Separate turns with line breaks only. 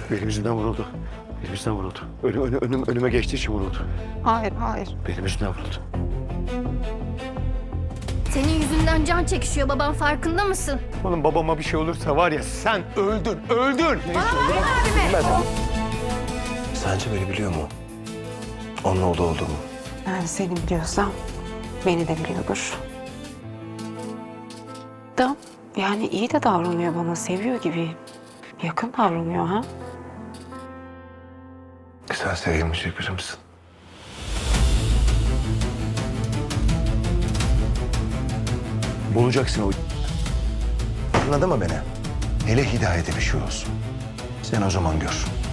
Benim yüzümden vuruldu. Benim yüzümden vuruldu. Önüme geçtiği için vuruldu.
Hayır, hayır.
Benim yüzümden vuruldu.
Senin yüzünden can çekişiyor baban, farkında mısın?
Oğlum babama bir şey olursa var ya sen öldün.
Sence beni biliyor mu? Onun oğlu olduğumu.
Yani seni biliyorsam beni de biliyordur. Da yani iyi de davranıyor bana, seviyor gibi. Yakın davranıyor ha.
Sen sevilmeyecek biri misin? Bulacaksın o. Anladın mı beni? Hele Hidayet'e bir şey olsun. Sen o zaman gör.